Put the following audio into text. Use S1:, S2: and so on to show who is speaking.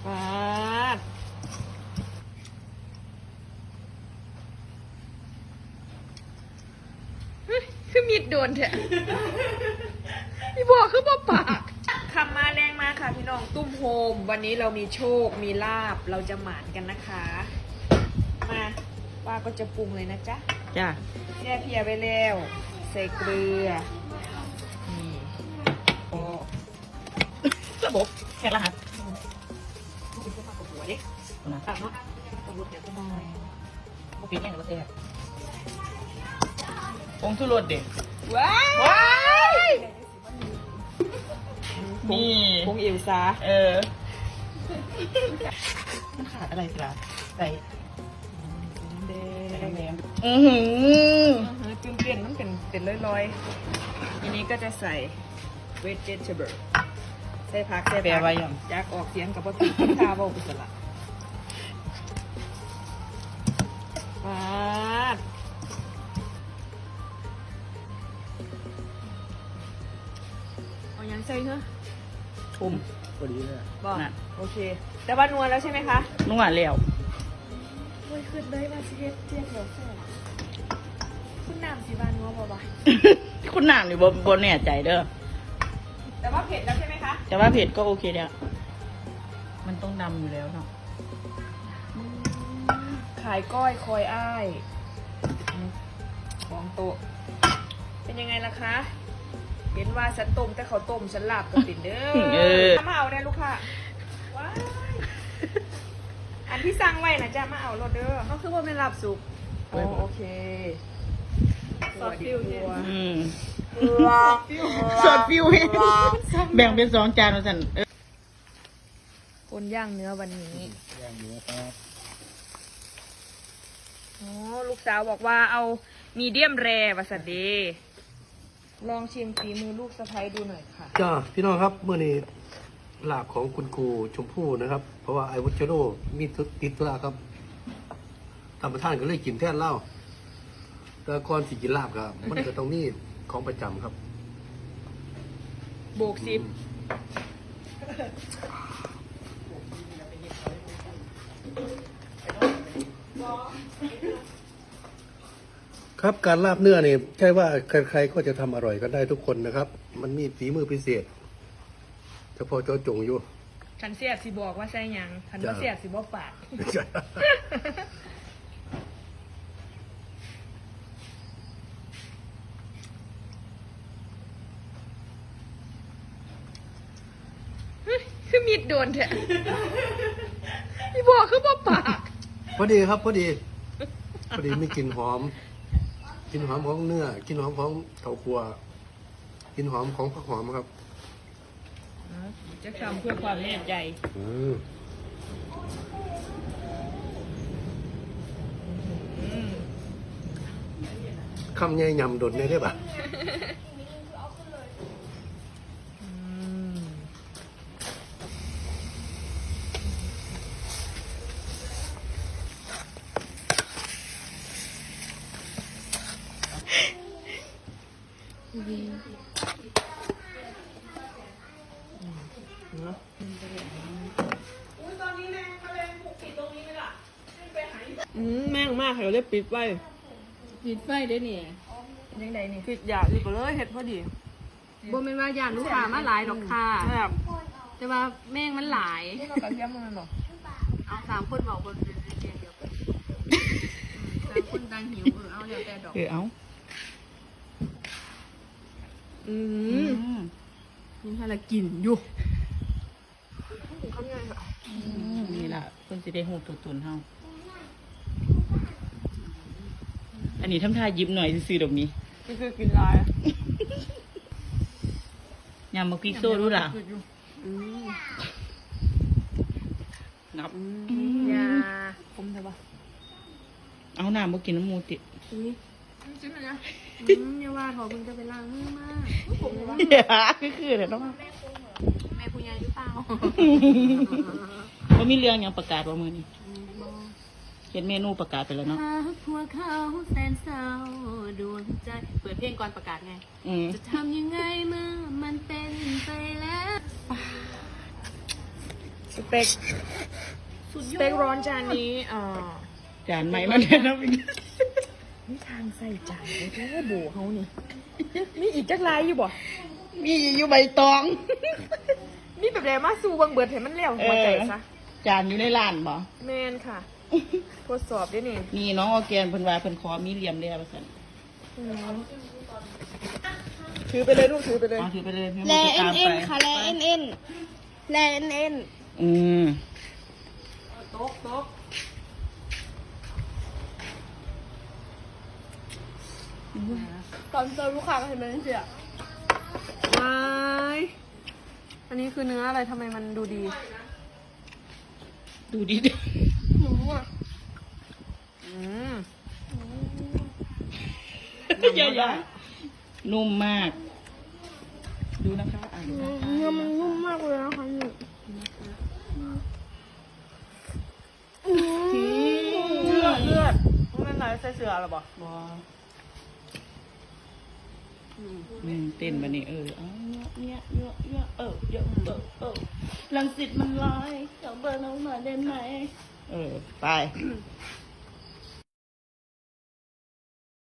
S1: มาคือมีดโดนเถอะพี่บอกคือบ่ปากคำมาแรงมาค่ะพี่น้องตุ้มโฮมวันนี้เรามีโชคมีลาบเราจะหมานกันนะคะมาว่าก็จะปรุงเลยนะจ๊ะ
S2: จ้า
S1: แช่เพียไปแล้วใส่เกลือนี่โอ้
S2: ระบบแค่รหัส
S1: หัวดิ
S2: นะ
S1: ตัดเนาะต้องรุดเดี๋ยวก็ได้
S2: บุปีนี่หรือว่าเต้ผงชูรสเด็ก
S1: ว้าย
S2: นี่
S1: พงเอวซา
S2: มันขาดอะไรสิล่ะใส่
S1: แด
S2: แด
S1: ง
S2: ง
S1: จุ่มเปลี่ยนมันเป็นลอยๆทีนี้ก็จะใส่เวจเทเบิลใส่ผักใส่
S2: แปล
S1: ผั
S2: ว่าอย่าง
S1: อยากออกเสียงกับว่าถูกข้าวเบาไปสละมาเอายังใส่เหรอ
S2: ทุ่ม
S3: พอดีเลยอะ
S1: บอก
S2: น่ะ
S1: โอเค แต่ว่านวลแล้วใช่ไหมคะ
S2: นุ่งหวานแล้ว
S1: โอ้ยขึ้นเลยว่าสิเฮ็ดเทียบเหรอแซ่บคุณน้ำสิบานนัวบ่บ่
S2: คุณน้ำนี่บนแน่ใจเด้อ
S1: แต่ว่าเผ็ดแล้วใช่ไหมคะ
S2: แต่ว่าเผ็ดก็โอเคแล้วมันต้องดำอยู่แล้วเนาะ
S1: ขายก้อยคอยอ้ายของโตะเป็นยังไงล่ะคะ เห็นว่าฉันต้มแต่เขาต้มฉันหลับกับติดเด้อมาเอาได้ลูกค่ะว้ายอันที่สั่งไว้นะจ๊ะมาเอารถเด้อเขาคือว่าไม่หลับสุกโอเคสอดฟิวเนี่ย
S2: สดฟิวเองแบ่งเป็น2 จานว่าสั่น
S1: คนย่างเนื้อวันนี้
S3: ย่างเนื้อครับ
S1: อ๋อลูกสาวบอกว่าเอามีเดียมแรวาซาเดลองชิมฝีมือลูกสะใภ้ดูหน่อยค่ะ
S3: จ้าพี่น้องครับเมื่อนี้ลาบของคุณครูชมพู่นะครับ เพราะว่าไอวัชโรมีติดธุระครับตามประธานก็เลยกินแทนเหล้าแต่ก่อนสิกินลาบครับ มันก็ต้องมีของประจำครับ
S1: โบกซิป
S3: ครับการลาบเนื้อนี่ใช่ว่าใครๆก็จะทำอร่อยกันได้ทุกคนนะครับ มันมีฝีมือพิเศษเฉพาะเจ้าจงอยู่
S1: คันเสียบสิบอกว่าใช่ยังคันว่า
S3: จ้ะ
S1: เสียบสิบอกปาก คือมีดโดนเถอะพี่บอกคือบอกปาก
S3: พอดีครับพอดีมีกลิ่นหอมกลิ่นหอมของเนื้อกลิ่นหอมของเถาคั่วกลิ่นหอมของผักหอมครับ
S1: จะทำเพื่อความแน่ใจ
S3: คำใหญ่ยำดดได้ปะ
S1: แม่งมากค่ะเราได้ปิดไว้
S4: ปิดไฟได้นี่
S1: ยังไงนี่ปิดอยากดีกว่าเลยเห็ดพอดี
S4: บ่แม่นว่าย่านลูกค้ามาหลายดอกค่ะ
S1: แบบ
S4: แต่ว่าแม่งมันหลาย
S1: นี่เรากระเทียมมันหรอ
S4: เอา3คนบอกคนเป็นเดียวกันต่างคนต่างหิวเอาเดี๋ยวแต่ดอก
S2: เอา
S4: ยังให้ละกินอยู่
S2: นี่ล่ะเพิ่นสิได้ฮู้ตัวตนเฮาอันนี้ทำท่ายิ้มหน่อยซื่อๆดอกนี้
S1: นี่คือกินลาย
S2: ยำบักพริกโซ่ดูล่ะนับ
S4: ยา
S1: ผมใช่ปะ
S2: เอาน้ำบ่กินน้ำหมูติ
S1: จิ้มเลยนะ
S4: อย่าว่าขอเพิ่งจะไปล้างมือมา
S2: อย่าคือเด้อเนาะ
S4: แม่คุณยายหรือเปล่า
S2: บ่มีเรื่องหยังประกาศว่ามื้อนี้เฮ็ดเมนูประกาศไปแล้วเนาะ
S4: หากพวกเขาแสนเศร้าดวงใจเปิดเพลงก่อนประกาศไง จะทำยังไงเมื่อมันเป็นไปแล้ว
S1: สเต็กสเต็กร้อนจานนี้
S2: จานใหม่แล้วเนี่ยนะพี่
S1: นี่ทางใส่จานเลยเด้อโบเขานี่มีอีกจักรายอยู่บ่
S2: มีอยู่ใบตอง
S1: มีแบบไหนมาสู่บังเบิดเห็นมันแล้วหัวใจซะ
S2: จานอยู่ในร้านบ่
S1: แมนค่ะ ทดสอบด้วยนี่
S2: นี่น้องออร์แกนเพิ่นว่าเพิ่นขอมีเหลี่ยมแล้วว่าซั่น
S1: ถือไปเลยลูกถือไปเลย
S2: เอาถือไปเลยพี่
S4: แล
S2: มันจะ
S4: เอ็
S2: ตาน ม
S4: เอ็
S2: ไป
S4: นค่ะแลเอ็นเอ็นแลเอ็นเอ็น
S2: อืม
S1: โต๊ะโต๊ะ
S4: ตอนเจอลูกค้าก็เห็นมันเสีย
S1: ว้ายอันนี้คือเนื้ออะไรทำไมมันดูดี
S2: ดูดิ
S4: หนูอ่ะ
S1: อืม
S2: อย่านุ่มมาก ดูนะคะอ่านดูนะคะ
S4: เนื้อมันนุ่มมากเลยนะคะนี่
S1: เลือดมันไหลใส่เสือหรอบ่
S2: บ่เต้นมานี่เอาเนี่ยลังสิตมันลอยขอเบอร์น้องหน่อยได้ไหมไป